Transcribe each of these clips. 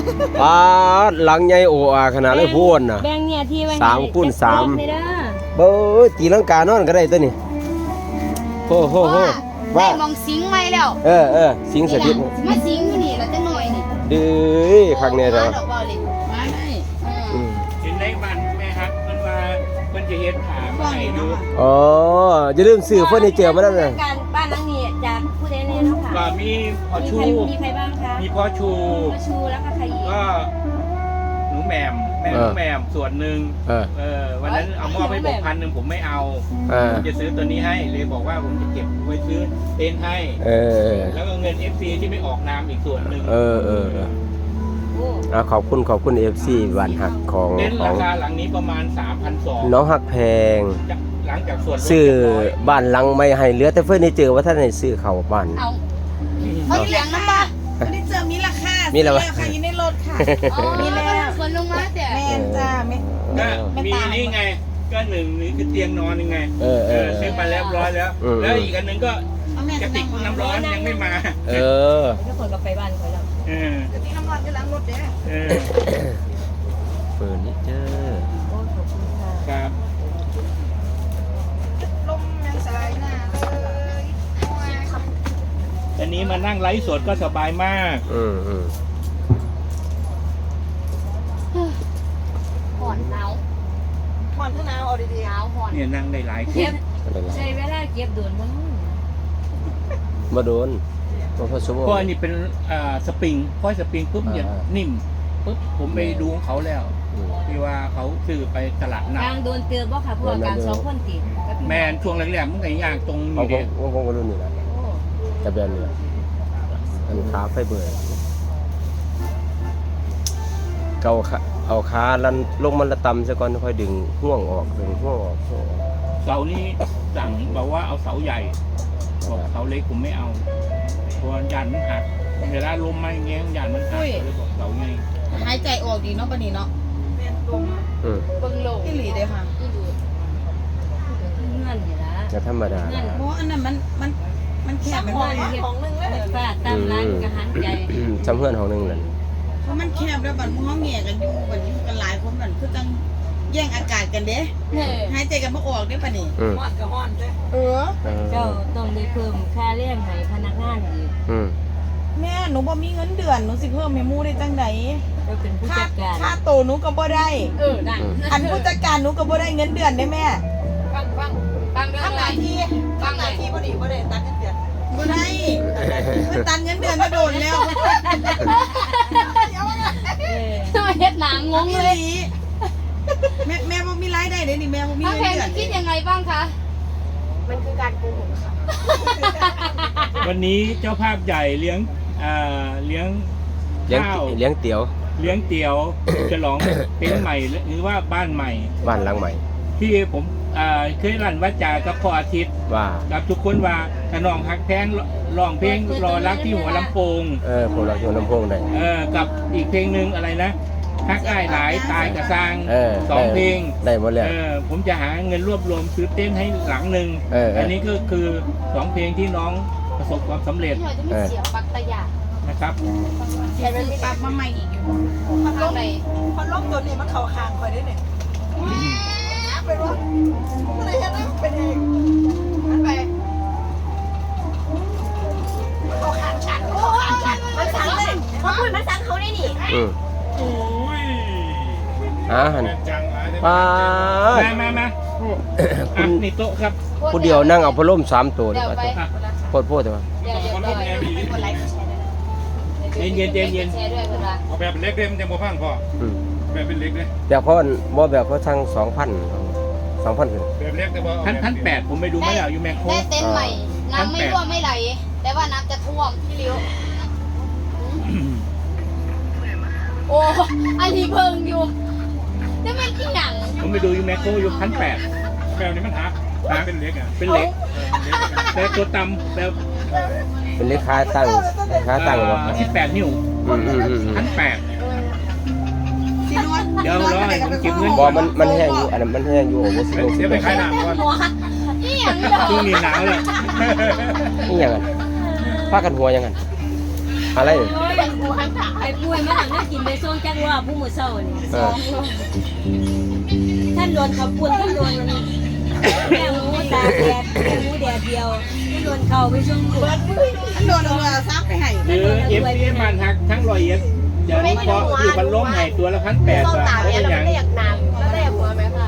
ปาดหลังใหญ่โอ้อาขนาดเลยพูนน่ะแบ่งเนี่ยที่ไว้ 3 คูณ 3 นี่เด้อเบ้อตีลังกานอนก็ได้ตัวนี้โอ้โหได้ว่ามองสิงไหมแล้วสิงสถิตมาสิงอยู่นี่แล้วจะหน่อยนี่ดื้อข้างในเด้อดอกบอลเลยมาได้เห็นในบ้านแม่ฮักมันว่ามันจะเฮ็ดถามให้ดูอ๋ออย่าลืมซื้อเฟอร์นิเจอร์มาแล้วนะการบ้านหลังนี้จากผู้ใดแน่เนาะค่ะก็มีพ่อชูมีใครบ้างคะมีพ่อชูพ่อชูแล้วก็ใครอีกก็หนูแหม่มแม่หนูแหม่มส่วนหนึ่งวันนั้นเอามอบให้บอก1,000ผมไม่เอาผมจะซื้อตัวนี้ให้เลยบอกว่าผมจะเก็บไว้ซื้อเต็นท์ให้แล้วก็เงิน FC ที่ไม่ออกนามอีกส่วนหนึ่งโอ้ขอบคุณ FC บ้านหักของเต็นท์ราคาหลังนี้ประมาณ 3,200 น้องหักแพงหลังจากส่วนลดซื้อเรียบร้อยบ้านหลังไม่ให้เหลือแต่เฟอร์นิเจอร์ว่าท่านให้ซื้อเข้าบ้านเอาเหลืองน้ำปลาไม่ได้เจอมีราคามีอะไรวะค่ะอยู่ในรถค่ะอ๋อมีแล้วคนลงมาแต่แม่นจ้าไม่ก็มีนี่ไงก็หนึ่งนี่คือเตียงนอนยังไงซื้อมาแล้วร้อยแล้ว แล้วอีกอันหนึ่งก็เอาแม่กระติกน้ำร้อนยังไม่มาทุกคนก็ไปบ้านเขาแล้วกระติกน้ำร้อนจะล้างรถเด้อเฟอร์นิเจอร์โอ้ขอบคุณค่ะครับลมยังสายหน้าเลยอันนี้มานั่งไลฟ์สดก็สบายมากห่อนหนาวผ่อนข้างหน้าเอาดีหนาวห่อนเนี่ยนั่งได้หลายคเก็นบใช้เวลาเก็บโดนมั้งมาโดนมาพอสมเพราะอันนี้เป็นสปริงพอสปริงปุ๊บเนี่ยนิ่มปุ๊บผมไปดูของเขาแล้วที่ว่าเขาซื้อไปตลาดนัดกลางโดนเตือนบ่ค่ะเพราะว่าการสองคนติดกับพี่แมนช่วงแรกๆมันก็ยากตรงเอานี้ขเด้องรุ่นนี้แหละโอ้แต่แบบนี้อันขาไฟเบอร์เกาขาเอาขาลันลงมันละตำซะก่อนค่อยดึงห่วงออกดึงห่วงออกเสานี้สั่งบอกว่าเอาเสาใหญ่บอกเสาเล็กผมไม่เอาเพราะยันมันหักเวลาลมมาอย่างเงี้ยยันมันหักเลยบอกเสาใหญ่หายใจออกดีเนาะปะนี่เนาะแม่นลมเบิ่งโลกที่หลีเด้อค่ะที่ดูเงินนี่ละจะธรรมดาเพราะอันนั้นมันแคบมันของนึงเลยฟาดตามร้านกระหันใจจำเพื่อนของนึงนั่นเพราะมันแคบแล้วบัดมื้อเฮาแง่กันอยู่บัดนี้กันหลายคนบัดคือจังแย่งอากาศกันเด้หายใจกันบ่ออกเด้ปะนี่ฮ้อนก็ฮ้อนเด้เจ้าต้องได้เพิ่มค่าแรงให้พนักงานอีกแม่หนูบ่มีเงินเดือนหนูสิเพิ่มให้หมู่ได้จังได๋เราเป็นผู้จัดการค่าโตหนูก็บ่ได้นั่นอันผู้จัดการหนูก็บ่ได้เงินเดือนได้แม่ฟังเรื่องอะไรฟังหน่อยบ่ได้ตัดเงินเดือนบ่ได้มันตัดเงินเดือนมาโดนแล้วทำไมเฮ็ดหนังงงอีเลยหลีแม่บ่มีรายได้เด้นี่แม่บ่มีพ่อเงินแพงเดือนคิดยังไงบ้างคะมันคือการโกหกค่ะวันนี้เจ้าภาพใหญ่เลี้ยงข้าวเลี้ยงเตี๋ยวเลี้ยงเตี๋ยวฉลองเต็นท์ใหม่หรือว่าบ้านใหม่บ้านหลังใหม่ที่ผมเคยรันว่าจากับพ่ออาทิตย์ว่ากับทุกคนว่าขนองฮักแพงร้องเพลงรอรักที่หัวลำโพงผมเราอยู่ลำโพงได้กับอีกเพลงหนึ่งอะไรนะฮักอ้ายหลายตายกระซาง2 เพลงได้หมดแล้วผมจะหาเงินรวบรวมซื้อเต้นท์ให้หลังหนึ่งอันนี้ก็คือ2 เพลงที่น้องประสบความสำเร็จพี่หน่อยจะมีเสียงปักตะหยานะครับใช้เป็นปรับมาใหม่อีกอยู่ข้างในพัดลมตัวนี้มันเข้าคางข่อยได้เนี่ยเป็นว่าอะไรเฮ็ดให้มันเป็นเองมันไปมันเข้าคางฉันมันสั่งเลยมันพูดมันสั่งเขาได้นี่โอ้ยหันจังป้ามานี่โต๊ะครับผู้เดียวนั่งเอาพัดลม3 ตัวดีเดี๋ยวกว่าไปโคตรแต่ว่าเดี๋ยวคนไลฟ์แชร์ด้วยเย็นแชร์ด้วยเวลาเอาแบบเป็นเล็กเลยมันจะโมพังพ่อแบบเป็นเล็กเลยแบบเพราะแบบเขาทั้ง2,000ขึ้นแบบเล็กแต่ว่า 1,800ผมไปดูไม่แล้วอยู่แมคโครได้เต็นท์ใหม่ น้ำไม่รั่วไม่ไหล แต่ว่าน้ำจะท่วมพี่ลิ้วโอ้อันนี้เพิ่งอยู่จะเป็นที่หนังผมไปดูอยู่แมคโครอยู่1,800 แบบนี้มันหักเป็นเล็กอ่ะเป็นเหล็กแต่ตัวต่ำแบบเป็นเลขค้าตั้งบ่ 18 นิ้ว1,800 สินวดเดี๋ยวรอให้ผมเก็บเงินบ่มันแห้งอยู่อันนั้นมันแห้งอยู่โอ้โหเดี๋ยวไปขายหนังก่อนหัวนี่อย่างนี้เหรอช่วงนี้หนาวเลยนี่หยังพากันหัวยังไงอะไรโอ้ยไอ้ป่วยมันนั่งกินไปส่งจักรอบผู้มื้อเช้านี่เออท่านโดนเขาปุ่นท่านโดนมันแม่หมูตากแดดแม่หมูแดดเดียวท่านโดนเขาไปส่งลูกโดนเอาซักไปให้หรือเอฟซีมันทักทั้ง100เอฟเดี๋ยวนี้พอคือพันล้มให้ตัวละ1,800 ส้มบาทตำเนี่ยเป็นเราอย่างไม่ได้อยากนานแล้วได้อยากหัวไหมค่ะ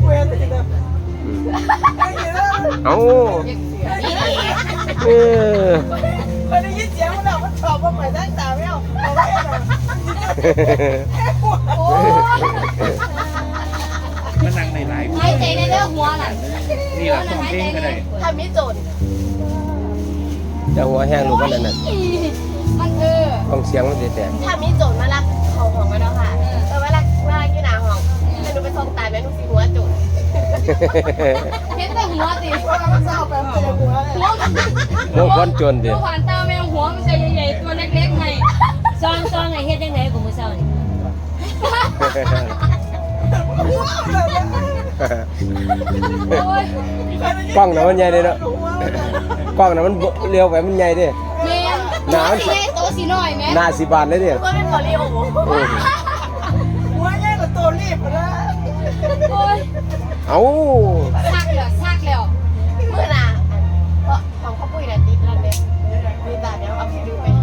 เอานี่นี่เออคนได้ยินเสียงมันมันชอบว่าไปตั้งตาไม่เอาเอาไว้โอ้มันนั่งในหลายหายใจในเรื่องหัวน่ะนี่แหละต้องเพลงก็ได้ทำมิโจนจะหัวแห้งลูกมันนั่นน่ะมันต้องเสียงมันสิแตกถ้ามิโจนมาลักของของกันแล้วค่ะแต่ว่าลักอยู่หนาห้องแต่หนูไปส่งตายแม่หนูสิหัวจุดเห็นแต่หัวติมันจะเอาไปหัวโมคนจนดิหัวผ่านตาแมวหัวมันจะใหญ่ๆตัวเล็กๆไงซองไอ้เฮ็ดจังไดของมื้อเช้านี่กล้องน่ะมันใหญ่เด้เนาะกล้องน่ะมันเลี้ยวไปมันใหญ่เด้แม่หนาสีโตสีน้อยแม่หน้า10 บาทเลยเด้ก็เป็นบอลลีโอหัวใหญ่กว่าตัวรีบนะโอ้ยเอาซักแล้วเมื่อน่ะเพราะของข้าวปุ้ยน่ะติดแล้วเนี่ยมีแต่เดี๋ยวเอาไปดูไป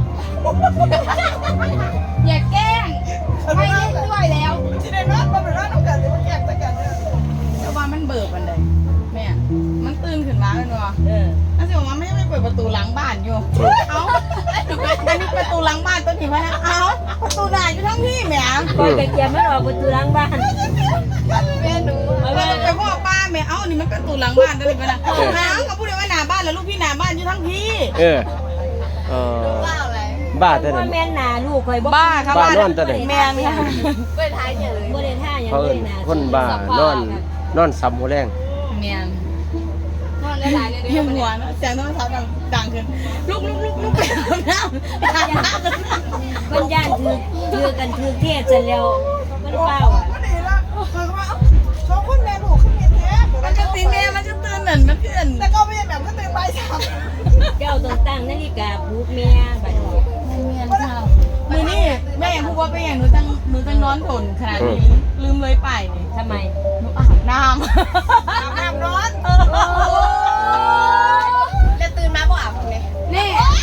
อย่าแกล้งไม่เล่นด้วยแล้วที่ได้รักมันเป็นรักต้องการเลยมันแยกกันแต่ว่ามันเบิกมันเลยแม่มันตื่นขึ้นมาเลยว่ะนั่นสิว่าไม่ได้เปิดประตูหลังบ้านอยู่เอ้าอันนี้ประตูหลังบ้านตัวนี้มานะเอ้าประตูหน้าอยู่ทั้งที่แหมปล่อยไปเกียร์มันออกประตูหลังบ้านแม่หนูไปพ่อป้าแม่เอ้านี่มันประตูหลังบ้านตัวนี้มานะน้ำเขาพูดว่าหน้าบ้านแล้วลูกพี่หน้าบ้านอยู่ทั้งพี่เออบ้าอะไรบ้าเท่าว่านั้นแม่นหน้าลูกข่อยบ่บ้าครับบ้านอนตัวไหนแม่ค่ะไปท้ายเนี่ยเลยบ่ได้ท่าหยังเขาเลเอิ้ยนนะคนบ้านอนซ้ำหัวแรงแม่นอนได้หลายเลยเยี่ยมหัวนะเสียงโทรศัพท์ดังขึ้นลุกไปอาบน้ำมันย่านถือกันถือเทศซะแล้วมันเปล่าอ่ะมันดีละคือว่าสองคนแม่ลูกขึ้นเมียแท้มันจะตีแม่มันจะตื่นหนึ่งมันเกินแต่ก็ไม่ใช่แบบก็ตื่นบ่ายสามเจ้าต้องตั้งนาฬิกาปลุกแม่บัดนี้มือนี่แม่ยังพูดว่าเป็นอย่างหนูตั้งนอนทนขนาดนี้ลืมเลยไปนี่ทำไมหนูอาบน้ำร้อนจะตื่นมาบ่อาบเลยนี่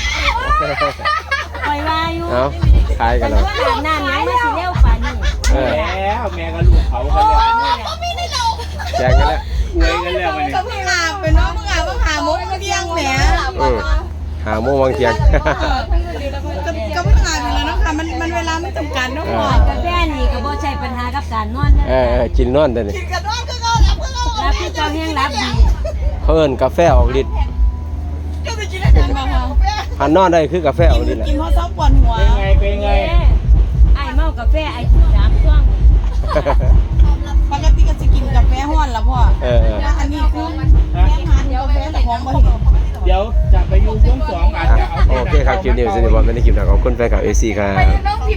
ปล่อยว่าอยู่เอาขายกันแต่แล้วว่าอาบน้ำยังมาสิเร็วปานนี้แล้วแม่ก็ลูกเขากันแล้วแจกกันแล้วอวยกันแล้วมันก็เพิ่งอาบเป็นน้องเพิ่งอาบเพิ่งหามุกเที่ยงแหมหาโมงวางเทียงก็เพิ่งอาบอยู่แล้วเนาะค่ะมันเวลาไม่จำกัดเนาะพ่อกาแฟนี่ก็บ่ใช่ปัญหากับการนอนนะกินนอนแต่นี่กินกันนอนก็เอาแล้วก็เอารับที่เจ้าแห้งรับดีเขาเอิ้นกาแฟออกฤทธิ์ก็ไปกินได้กันมาค่ะหันนอนได้คือกาแฟออกฤทธิ์แหละกินเพราะซอฟปวดหัวเป็นไงไอ้เมากาแฟไอ้3ช่วงปกติก็จะกินกาแฟห้อนแล้วพ่อแล้วอันนี้คือแค่ทานกาแฟแต่หอมบ่เห็นเดี๋ยวจะไปอยู่วง2อาจจะเอาโอเคครับคลิปนี้สนิทบอลไม่ได้คลิปหนักของคุณแฟนคลับ AC ครับน้องพิ